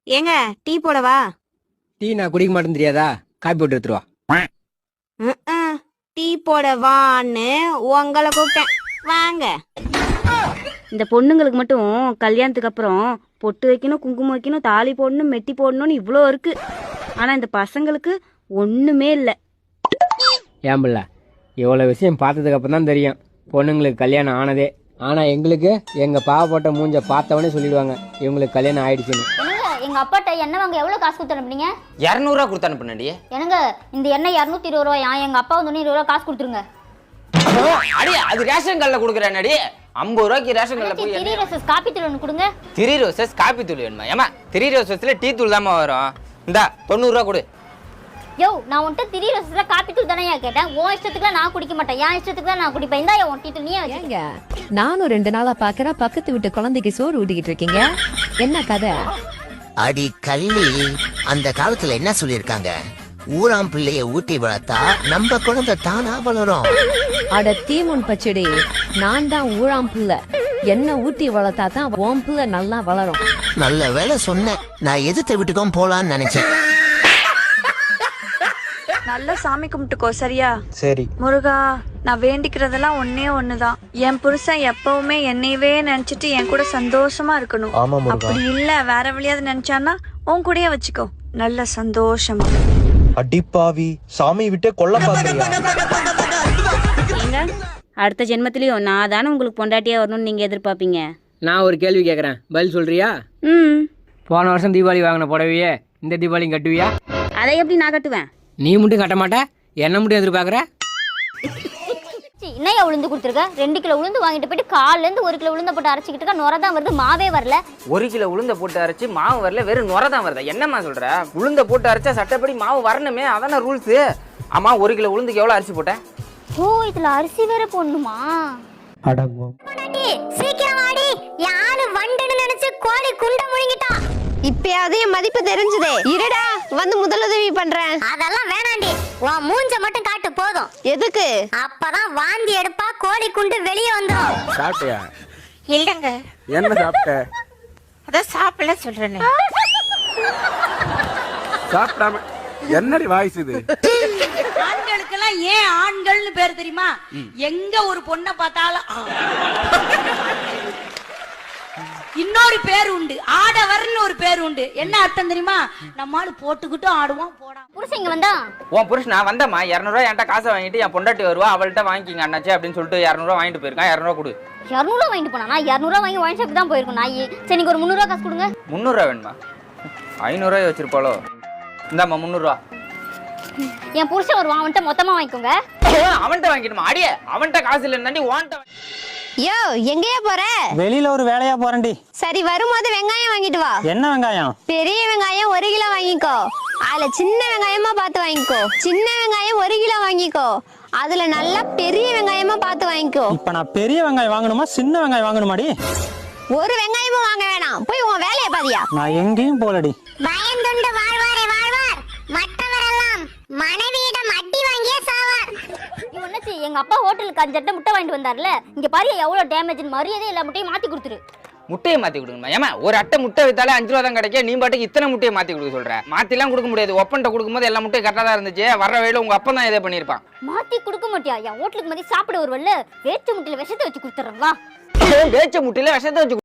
ஏங்க டீ போடவா? டீ நான் குடிக்க மாட்டேன்னு தெரியாதா? காப்பி போட்டு எடுத்துருவா. டீ போடவான்னு உங்களை கூப்பிட்டேன். வாங்க. இந்த பொண்ணுங்களுக்கு மட்டும் கல்யாணத்துக்கு அப்புறம் பொட்டு வைக்கணும், குங்குமம் வைக்கணும், தாலி போடணும், மெட்டி போடணும்னு இவ்வளோ இருக்கு. ஆனா இந்த பசங்களுக்கு ஒண்ணுமே இல்லை. ஏன் பிள்ள, இவ்வளோ விஷயம் பார்த்ததுக்கு அப்புறம் தான் தெரியும் பொண்ணுங்களுக்கு கல்யாணம் ஆனதே. ஆனா எங்களுக்கு எங்க பாவப்பட்ட மூஞ்ச பார்த்தவனே சொல்லிடுவாங்க இவங்களுக்கு கல்யாணம் ஆயிடுச்சுன்னு. எங்க அப்பாட்ட எண்ணெய் வாங்க எவ்வளவு காசு கொடுத்து அனுப்புனீங்க? 200 ரூபா கொடுத்து அனுப்புனடி. என்னங்க இந்த எண்ணெய் 220 ரூபாயா? எங்க அப்பா வந்து 20 ரூபா காசு கொடுத்துருங்க. அடி அது ரேஷன் கடையில குடுக்குறேன்டி. 50 ரூபாய்க்கு ரேஷன் கடையில போய் திரி ரோசஸ் காப்பி தூள் ஒன்று கொடுங்க. திரி ரோசஸ் காப்பி தூள் வேணுமா? ஏமா திரி ரோசஸ்ல டீ தூள் தாமா வரும். இந்தா 90 ரூபா கொடு. யோ நான் உன்கிட்ட திரி ரோசஸ்ல காப்பி தூள் தானே கேட்டேன். உன் இஷ்டத்துக்குலாம் நான் குடிக்க மாட்டேன், என் இஷ்டத்துக்கு தான் நான் குடிப்பேன். இந்தா உன் டீ தூள் நீயே வச்சுக்க. நானும் 2 நாளா பாக்குறேன் பக்கத்து வீட்டு குழந்தைக்கு சோறு ஊட்டிக்கிட்டு இருக்கீங்க. என்ன கதை? அடி கள்ளி, அந்த காலத்துல என்ன சொல்லிருக்காங்க? ஊராம் பிள்ளைய ஊட்டி வளர்த்தா நம்ம குழந்தை தானா வளரும். அட தீமுன் பச்சடி, நான் தான் ஊழாம் பிள்ளை. என்ன ஊட்டி வளர்த்தா தான் ஓம் பிள்ளை நல்லா வளரும். நல்ல வேலை சொன்னேன். நான் எதிர்த்த வீட்டுக்கும் போலான்னு நினைச்சேன். நல்லா சாமி கும்பிட்டுக்கோ, சரியா? சரி முருகா, நான் வேண்டிக்கிறதெல்லாம் ஒன்னே ஒண்ணுதான். என் புருஷன் எப்பவுமே என்னையவே நினைச்சிட்டு என் கூட சந்தோஷமா இருக்கணும். ஆமா முருகா. அப்படி இல்ல வேற வழியாவது நினைச்சான்னா உன் கூடயே வச்சுக்கோ, நல்ல சந்தோஷமா. அடிப்பாவி, சாமி விட்டே கொல்ல பாக்குறியா? ஏங்க அடுத்த ஜென்மத்திலயும் நான் தானே உங்களுக்கு பொண்டாட்டியா வரணும்னு நீங்க எதிர்பார்ப்பீங்க. நான் ஒரு கேள்வி கேட்குறேன், பதில் சொல்றியா? போன வருஷம் தீபாவளி வாங்கின புடவையே இந்த தீபாவளியும் கட்டுவியா? அதை எப்படி நான் கட்டுவேன்? நீ மட்டும் கட்ட மாட்ட, என்ன மட்டும் எதிர்பார்க்குற? என்னையா உளுந்து கொடுத்துருக்க? 2 கிலோ உளுந்து வாங்கிட்டு போயிட்டு கால்ல இருந்து 1 கிலோ உளுந்த போட்டு அரைச்சிக்கிட்டு இருக்க. நுர தான் வருது, மாவே வரல. 1 கிலோ உளுந்த போட்டு அரைச்சு மாவு வரல, வெறும் நுர தான் வருதா? என்னம்மா சொல்ற? உளுந்த போட்டு அரைச்சா சட்டப்படி மாவு வரணுமே, அதான ரூல்ஸ். ஆமா 1 கிலோ உளுந்துக்கு எவ்வளவு அரிசி போட்டேன்? ஓ இதுல அரிசி வேற போடணுமா? அடங்கும். சீக்கிரம் வாடி, யாரு வண்டன்னு நினைச்சு கோழி குண்ட முழுங்கிட்டா. இப்பயாவது என் மதிப்பு தெரிஞ்சதே. இருடா, வந்து முதலுதவி பண்றேன். அதெல்லாம் வேணாண்டி, உன் மூஞ்ச மட்டும் காட்டு போதும். எதுக்கு? அப்பதான் வாந்தி எடுப்பா, கோழி குண்டு வெளியே வந்துடும். சாப்பிட்டியா? இல்லங்க, என்ன சாப்பிட்ட? அதான் சாப்பிடல சொல்றேன்னு. சாப்பிடாம என்னடி வாய்ஸ் இது? ஆண்களுக்கெல்லாம் ஏன் ஆண்கள்னு பேர் தெரியுமா? எங்க ஒரு பொண்ணை பார்த்தாலும் இன்னொரு பேர் உண்டு, ஆடவர்னு ஒரு பேர் உண்டு. என்ன அர்த்தம் தெரியுமா? நம்மால போட்டுக்கிட்டும் ஆடுவோம் போடா. புருஷன் இங்க வந்தா உன் புருஷனா வந்தம்மா 200 ரூபா என்கிட்ட காசை வாங்கிட்டு என் பொண்டாட்டி வருவா, அவள்கிட்ட வாங்கிக்கிங்க அண்ணாச்சி அப்படின்னு சொல்லிட்டு 200 ரூபா வாங்கிட்டு போயிருக்கான். 200 ரூபா கொடு. 200 ரூபா வாங்கிட்டு போனா? நான் 200 ரூபா வாங்கி ஒயின் ஷாப் தான் போயிருக்கோம் நாய். சரி நீங்க ஒரு 300 ரூபா காசு கொடுங்க. 300 ரூபா வேணுமா? 500 ரூபாய் வச்சிருப்பாளோ? இந்தாம்மா 300 ரூபா. என் புருஷன் வருவான், அவன்கிட்ட மொத்தமா வாங்கிக்கோங்க. அவன்கிட்ட வாங்கிடுமா? அடியே அவன்கிட்ட காசு இல்லைன்னு ஓன்ட்ட. யோ எங்கேயா போற? வெளியில ஒரு வேலையா போறேன்டி. சரி, வரும்போது வெங்காயம் வாங்கிட்டு வா. என்ன வெங்காயம்? பெரிய வெங்காயம் 1 கிலோ வாங்கிக்கோ. அதுல சின்ன வெங்காயமா பார்த்து வாங்கிக்கோ. சின்ன வெங்காயம் 1 கிலோ வாங்கிக்கோ. அதுல நல்லா பெரிய வெங்காயமா பார்த்து வாங்கிக்கோ. இப்ப நான் பெரிய வெங்காயம் வாங்கணுமா சின்ன வெங்காயம் வாங்கணுமாடி? ஒரு வெங்காயமும் வாங்க வேணாம், போய் உன் வேலையை பாதியா. நான் எங்கேயும் போலடி. பயந்துண்டு வாழ்வாரே வாழ்வார், மற்றவரெல்லாம் மனைவியிடம் அடி வாங்கியே சாவார். ஒண்ணாச்சு, எங்க அப்பா ஹோட்டலுக்கு 5 அட்டை முட்டை வாங்கிட்டு வந்தார்ல, இங்க பாரு எவ்வளவு டேமேஜ். மரியாதை எல்லா முட்டையும் மாத்தி கொடுத்துரு. முட்டையை மாத்தி கொடுங்கம்மா. ஏமா ஒரு அட்டை முட்டை வித்தாலே 5 ரூபா தான் கிடைக்கும், நீ பாட்டுக்கு இத்தனை முட்டையை மாத்தி கொடுக்க சொல்ற? மாத்திலாம் கொடுக்க முடியாது. ஒப்பன்ட்ட கொடுக்கும்போது எல்லா முட்டையும் கரெக்டா தான் இருந்துச்சு. வர்ற வழியில உங்க அப்பா தான் இதே பண்ணிருப்பான். மாத்தி கொடுக்க மாட்டியா? என் ஹோட்டலுக்கு மாதிரி சாப்பிட வருவல்ல, வேச்ச முட்டையில விஷத்தை வச்சு கொடுத்துறேன் வா. வேச்ச முட்டையில விஷத்தை வச்சு